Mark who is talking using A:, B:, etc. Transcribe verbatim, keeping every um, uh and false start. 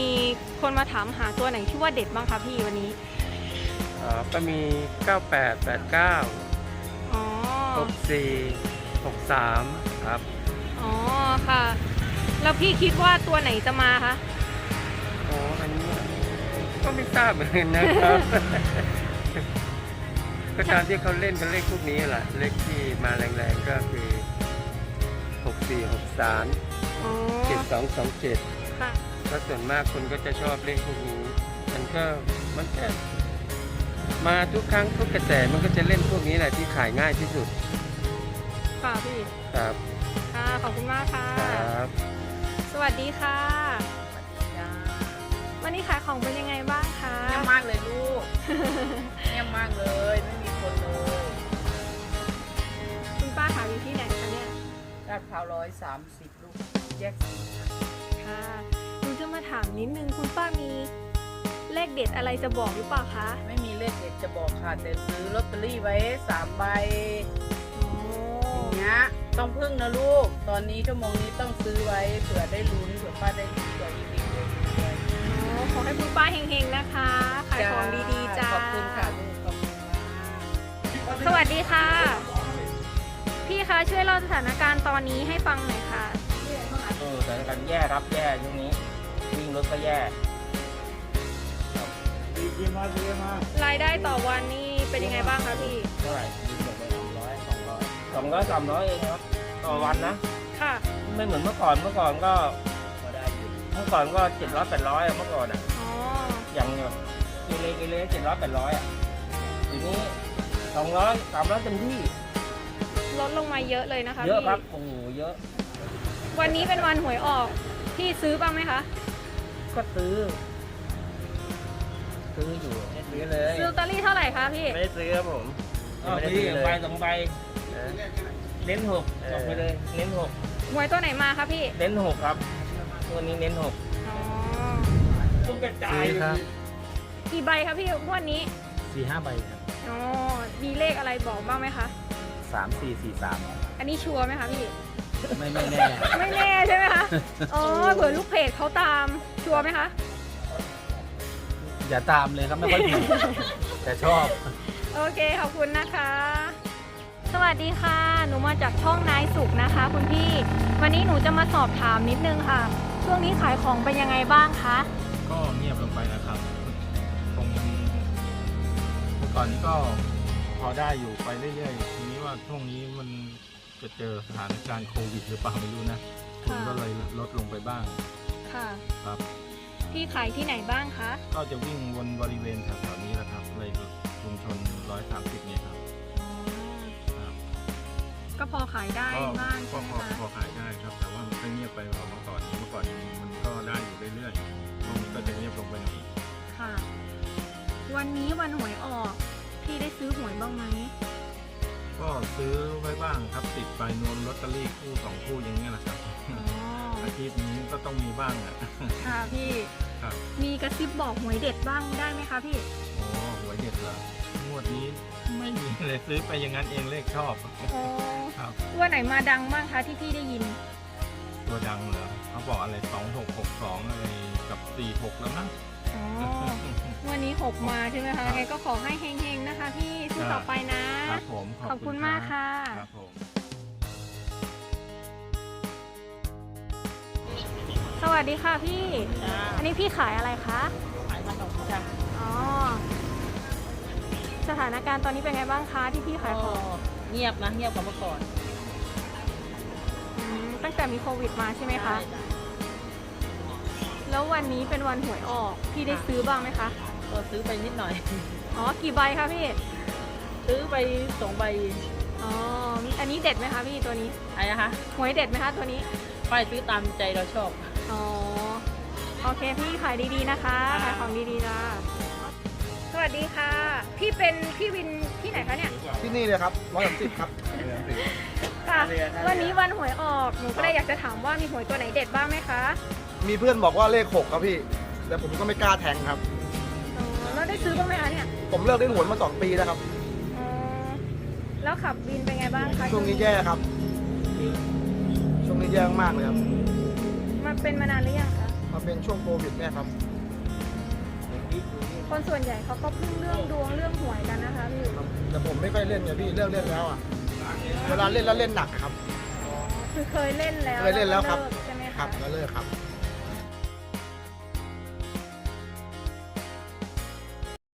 A: คนมาถามหาตัวไหนที่ว่าเด็ดบ้างคะพี่วันนี้
B: อ๋อก็มีเก้าแปด แปดเก้า
A: อ๋อ
B: หกสี่ หกสามครับ
A: อ๋อค่ะแล้วพี่คิดว่าตัวไหนจะมาคะ
B: อ๋ออันนี้ก็ไม่ทราบเหมือนกันนะครับก็ตามที่เขาเล่นกันเลขพวกนี้แหละเลขที่มาแรงๆก็คือหกสี่ หกสาม
A: อ๋อ
B: เจ็ดสอง สองเจ็ด
A: ค่ะ
B: ก็ส่วนมากคนก็จะชอบเลขพวกนี้มันก็มันก็มาทุกครั้งทุกกระแสมันก็จะเล่นพวกนี้แหละที่ขายง่ายที่สุด
A: ค่ะพี่
B: ครับ
A: ค่ะขอบคุณมากค่ะ
B: ครับ
A: สวัสดีค่ะวันนี้ขายของเป็นยังไงบ้างคะ
C: เงียบมากเลยลูกเงียบมากเลยไม่มีคนเลย
A: คุณป้าขายอยู่ที่ไหนคะเนี่ย
C: ลาดพร้าวร้อยสามสิบลูกแยกสี่
A: ค่ะหนูจะมาถามนิดนึงคุณป้ามีเลขเด็ดอะไรจะบอกหรือเปล่าคะ
C: ไม่มีเลขเด็ดจะบอกค่ะแต่ซื้อลอตเตอรี่ไว้สามใบอย่างเงี้ยต้องพึ่งนะลูกตอนนี้ชั่วโมงนี้ต้องซื้อไว้เผื่อได้ลุ้นเผื่อป้าได้ลุ้นเผื่ออีกอีกเลย
A: ขอให้คุณป้าเฮงๆนะคะขายของดีๆจ้า
C: ขอบคุณค่ะลูกขอบคุณมาก
A: สวัสดีค่ะพี่คะช่วยเล่าสถานการณ์ตอนนี้ให้ฟังหน่อยค่ะ
D: เออสถานการณ์แย่ครับแย่ช่วงนี้วิ่งรถก็แย่
A: รายได้ต่อวันนี่เป็นยังไงบ้างคะพี่
D: เท่าไหร่วิ่งหมดไปสองร้อยสองร้อยสองร้อยสามร้อยเองครับต่อวันนะ
A: ค่ะ
D: ไม่เหมือนเมื่อก่อนเมื่อก่อนก็เมื่อก่อนก็เจ็ดร้อยแปดร้อยเมื่อก่อนอ่ะอย่างแบบกิเลกิเลเจ็ดร้อยแปดร้อยอ่ะทีนี้สองร้อยสามร้อยเต็มที่
A: ลดลงมาเยอะเลยนะคะ
D: เยอะครับโอ้โหเยอะ
A: วันนี้เป็นวันหวยออกพี่ซื้อบ้างไหมคะ
D: ก็ซื้อซื้ออยู่ซื้อเลย
A: ซื้อลอตเตอรี่เท่าไหร่คะพี่
D: ไม่ได้ซื้อครับผมไม่ได้ซื้อเลยใบสองใบเน้นหกบอกไปเลยเน้นหก
A: หวยตัวไหนมาคะพี่
D: เน้นหกครับตัวนี้เน้นหก
A: อ๋อ
D: ตุ้มกระจาย
B: ครับ
A: กี่ใบคะพี่งวดนี้
D: สี่ห้าใบครับ
A: อ๋อมีเลขอะไรบอกบ้างไหมคะ
D: สามสี่สี่สาม
A: อันนี้ชัวร์ไหมคะพี่
D: ไม่ไม่แน่
A: ไม่แน่ใช่ไหมคะอ๋อเผื่อลูกเพจเขาตามชัวร์ไหมคะ
D: อย่าตามเลยครับไม่ค่อยดีแต่ชอบ
A: โอเคขอบคุณนะคะสวัสดีค่ะหนูมาจากช่องนายสุขนะคะคุณพี่วันนี้หนูจะมาสอบถามนิดนึงค่ะช่วงนี้ขายของเป็นยังไงบ้างคะ
E: ก็เงียบลงไปนะครับตรงเมื่อก่อนนี้ก็พอได้อยู่ไปเรื่อยๆทีนี้ว่าช่วงนี้มันจะเจอสถานการณ์โควิดหรือเปล่าไม่รู้นะคนก็เลยลดลงไปบ้าง
A: ค่ะ
E: ครับ
A: พี่ขายที่ไหนบ้างคะ
E: ก็จะวิ่งวนบริเวณแถวๆนี้แหละครับเลยชุมชนร้อยสามสิบเนี่ยครับ
A: ก็พอขายได้บ้างใช่ไหมคะ
E: พอขายได้ครับแต่ว่ามันก็เงียบไปกว่าเมื่อก่อนเมื่อก่อนมันก็ได้อยู่เรื่อยๆช่วงนี้ก็จะเงียบลงไปหน่อย
A: ค่ะวันนี้วันหวยออกพี่ได้ซื้อหวยบ้างไหม
E: ก็ซื้อไว้บ้างครับติดไปนวลลอตเตอรี่คู่สองคู่อย่างเงี้ยนะครับอาทิตย์นี้ก็ต้องมีบ้างอ่ะ
A: ค่ะพี่มีกระซิบบอกหวยเด็ดบ้างได้ไหมคะพี่
E: อ๋อหวยเด็ดเหรองวดนี้ไม่มีเลยซื้อไปอย่างนั้นเองเลขชอบ
A: อ๋อครับตัวไหนมาดังบ้างคะที่พี่ได้ยิน
E: ตัวดังเหรอเขาบอกอะไรสองหกหกสองอะไรกับสี่หกแล้วนะ
A: อ๋อวันนี้หกมาใช่ไหมคะไงก็ขอให้เฮงๆนะคะพี่สู้ต่อไปนะครับ
E: ผม
A: ขอบคุณมากค่ะ
E: ครับผม
A: สวัสดีค่ะพี่อันนี้พี่ขายอะไรคะ
C: ขายขนมจ้ะ
A: อ๋อสถานการณ์ตอนนี้เป็นไงบ้างคะที่พี่ขายของ
C: เงียบนะเงียบกว่าเมื่อก่อน
A: ตั้งแต่มีโควิดมาใช่ไหมคะแล้ววันนี้เป็นวันหวยออกพี่ได้ซื้อบ้างไหมคะ
C: ก็ซื้อไปนิดหน่อย
A: อ๋อกี่ใบคะพี่
C: ซื้อไปสองใบ
A: อ๋ออันนี้เด็ดไหมคะพี่ตัวนี้
C: อะไรนะคะ
A: หวยเด็ดไหมคะตัวนี้
C: ไปซื้อตามใจเราชอบ
A: อ๋อโอเคพี่ขายดีๆนะคะขายของดีๆจ้าสวัสดีค่ะพี่เป็นพี่วินที่ไหนคะเนี่ย
F: ที่นี่เลยครับร้อยสามสิบครับ
A: ค่ะวันนี้วันหวยออกหนูก็เลยอยากจะถามว่ามีหวยตัวไหนเด็ดบ้างไหมคะ
F: มีเพื่อนบอกว่าเลขหกครับพี่แต่ผมก็ไม่กล้าแทงครับ
A: อ๋อแล้วได้ซื้อบ้างไหมคะเนี่ย
F: ผมเลิกเล่นหวยมาสองปีแล้วครับ
A: อ๋อแล้วขับวินเป็นไงบ้างคะ
F: ช่วงนี้แย่ครับช่วงนี้แย่มากเลยครับ
A: มันเป็นมานานหรือยังคะ
F: ปมาเป็นช่วงโควิดเนี่ยครับ
A: คนส่วนใหญ่เขาก็พึ่งเรื่องดวงเรื่องหวยกันนะคะพี่
F: แต่ผมไม่ค่อยเล่นไงพี่เลิกเล่นแล้วอ่ะเวลาเล่นแล้วเล่นหนักอะครับ
A: คือเคยเล่นแล้ว
F: เคยเล่นแล้วครับ
A: ก็เกใช่ไหม
F: ครั
A: คะ
F: บแล้วเลิกครับ